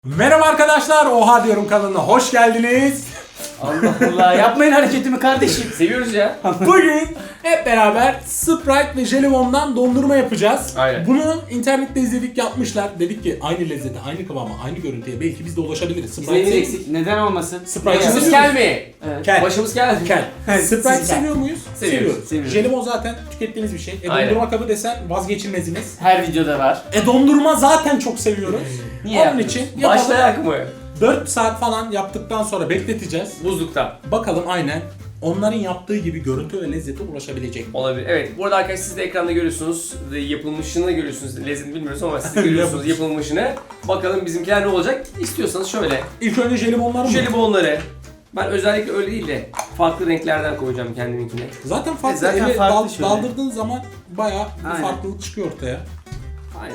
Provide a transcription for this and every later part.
Merhaba arkadaşlar, Oha Diyorum kanalına hoş geldiniz. Allah Allah, yapmayın hareketimi kardeşim. Seviyoruz ya. Bugün hep beraber Sprite ve Jelibon'dan dondurma yapacağız. Aynen. Bunu internette izledik, yapmışlar. Dedik ki aynı lezzete, aynı kıvama, aynı görüntüye belki biz de ulaşabiliriz. Biz neyimiz sev- eksik? Neden olmasın? Sprite Başımız seviyor kel muyuz? mi? Evet. Kel. Başımız kel. Kel. Sprite Siz kel. seviyor muyuz? Seviyoruz. Seviyoruz. Jelibon zaten tükettiğiniz bir şey. Aynen. Dondurma kabı desen vazgeçilmeziniz. Her videoda var. Dondurma zaten çok seviyoruz. Niye Onun yapmıyoruz? için yapalım. Başlayak mı? 4 saat falan yaptıktan sonra bekleteceğiz. Buzlukta. Bakalım aynen onların yaptığı gibi görüntü ve lezzete ulaşabilecek mi? Olabilir. Evet. Bu arada arkadaşlar siz de ekranda görüyorsunuz. Yapılmışını görüyorsunuz. Lezzetini bilmiyoruz ama siz de görüyorsunuz yapılmışını. Bakalım bizimkiler ne olacak? İstiyorsanız şöyle. İlk önce jelibonlar mı? Jelibonları. Ben özellikle öyle değil de farklı renklerden koyacağım kendiminkine. Zaten farklı. Zaten Eli farklı şöyle. daldırdığın zaman bayağı bir Aynen. farklılık çıkıyor ortaya. Aynen.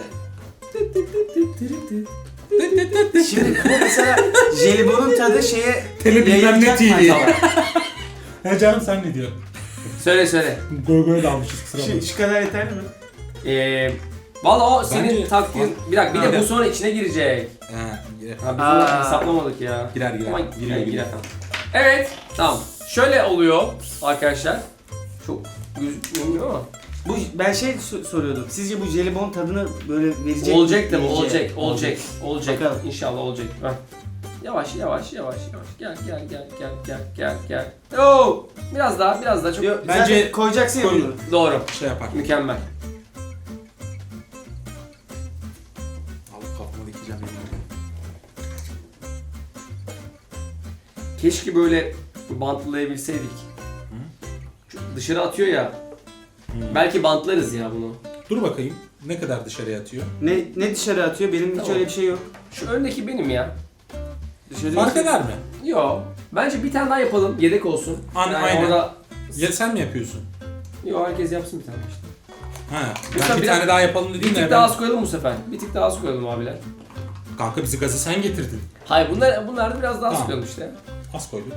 Şimdi bu mesela jelibonun tadı şeye Tele bilmem ne yayılacak TV. mı? He canım sen ne diyorsun? Söyle. Goy dalmışız kusura bakma. Şu kadar yeter mi? Valla o senin Bence- taktiğin. Bir dakika bir de bu sonra içine girecek. He, Ha biz Aa. bunu hesaplamadık ya. Girer. Ama Giriyor. girer tamam. Evet, tamam. Şöyle oluyor arkadaşlar. Çok gözükmüyor ama. Bu ben soruyordum. Sizce bu jelibon tadını böyle verecek mi? Olacak tabii, Yiyecek. olacak. Bakalım. İnşallah olacak. Heh. Yavaş. Gel. Oo! Biraz daha çok. Yok, Bence bence koyacaksın ya koy. bunu. Doğru. Şey yapar. Mükemmel. Alıp kafama dikeceğim yemin. Keşke böyle bantlayabilseydik. Çünkü dışarı atıyor ya. Belki bantlarız ya bunu. Dur bakayım ne kadar dışarıya atıyor. Ne dışarı atıyor? Benim hiç Tamam. öyle bir şey yok. Şu öndeki benim ya. Dışarı Fark eder mi? Yo. Bence bir tane daha yapalım. Yedek olsun. Aynen. Orada... Ya sen mi yapıyorsun? Yo, herkes yapsın bir tane işte. Ha. Lütfen Ben bir bir tane dakika. daha yapalım Bir dediğin tık de daha ben... az koyalım bu sefer. Bir tık daha az koyalım abiler. Kanka bizi gazı sen getirdin. Hayır bunlar da biraz daha az Tamam. koyalım işte. Az koyduk.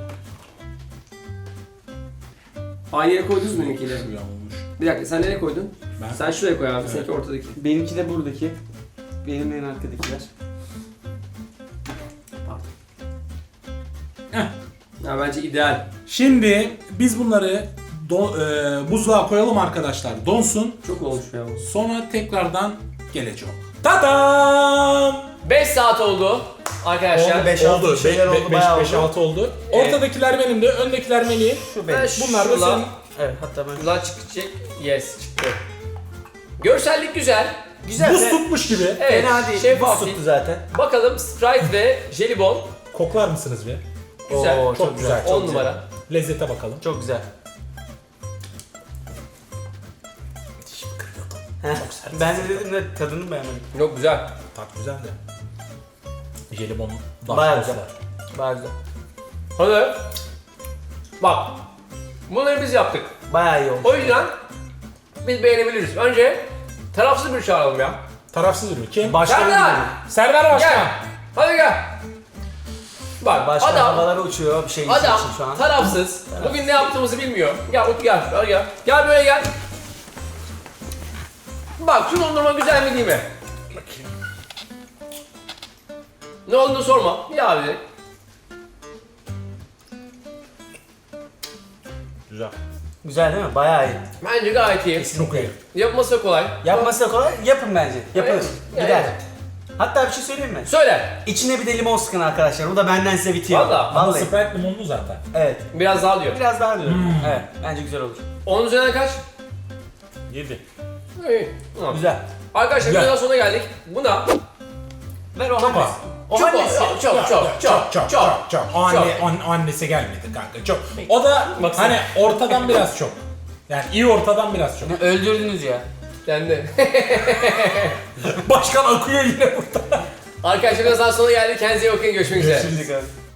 Aynı yere koydunuz mu benimkileri? Şuraya olmuş. Bir dakika sen nereye koydun? Ben Sen şuraya koy abi, Evet. seninki ortadaki. Benimki de buradaki. Benim en arkadakiler. Ya bence ideal. Şimdi biz bunları buzluğa koyalım arkadaşlar. Donsun. Çok olmuş ya bu. Sonra tekrardan gelecek. Tadam! 5 saat oldu arkadaşlar. Oldu. 5-6 oldu. Evet. Ortadakiler benim de, öndekiler Melih'in. Şu Ben Bunlar da şuradan- senin. Evet, hatta ben. Şuradan çıkacak. Yes çıktı. Görsellik güzel. Güzel. Buz tutmuş gibi. Evet. Fena değil. Şeffaf. Buz tuttu zaten. Bakalım Sprite ve Jelibon. Koklar mısınız bir? Güzel. Oo, Çok güzel. 10 numara. Lezzete bakalım. Çok güzel. Ben de dedim de tadını beğenmedim. Yok güzel. Tat güzel de. Jelibon Bayağı daha güzel. Bayağı güzel. Hadi. Bak. Bunları biz yaptık. Bayağı iyi olmuş. O yüzden biz beğenebiliriz. Önce tarafsız bir çağıralım ya. Tarafsız ürün. Kim? Serdar! Serdar Gel. Başkan. Hadi gel. Bak Başka adam havalara uçuyor bir şey için Adam şu an. tarafsız. Bugün ne yaptığımızı bilmiyor. Gel Utku gel. Gel. Gel böyle gel. Bak şu dondurma güzel mi değil mi? Bakayım. Ne olduğunu sorma. Ya abi. Güzel. Güzel değil mi? Bayağı iyi. Bence gayet iyi. Çok iyi. Yapması da kolay. Yapması da kolay. Yapın bence. Yapın. Evet. Gider. Evet. Hatta bir şey söyleyeyim mi? Söyle. İçine bir de limon sıkın arkadaşlar. Bu da benden size bitiyor. Vallahi. Ama Vallahi. Sprite limonlu zaten. Evet. Biraz daha diyor. Biraz daha diyorum. Evet. Bence güzel olur. 10 üzerinden kaç? 7. İyi. Tamam. Güzel. Arkadaşlar Güzel. videonun sonuna geldik. Buna Ver o Çok az. O çok hangisi? çok. Annesi gelmedi kanka. Çok. O da hani ortadan biraz çok. Yani iyi ortadan biraz çok. Ne öldürdünüz ya. Kendi. Başkan akıyor yine burada. Arkadaşlar videonun sonuna geldik. Kendinize iyi bakın. Görüşmek üzere. Şimdi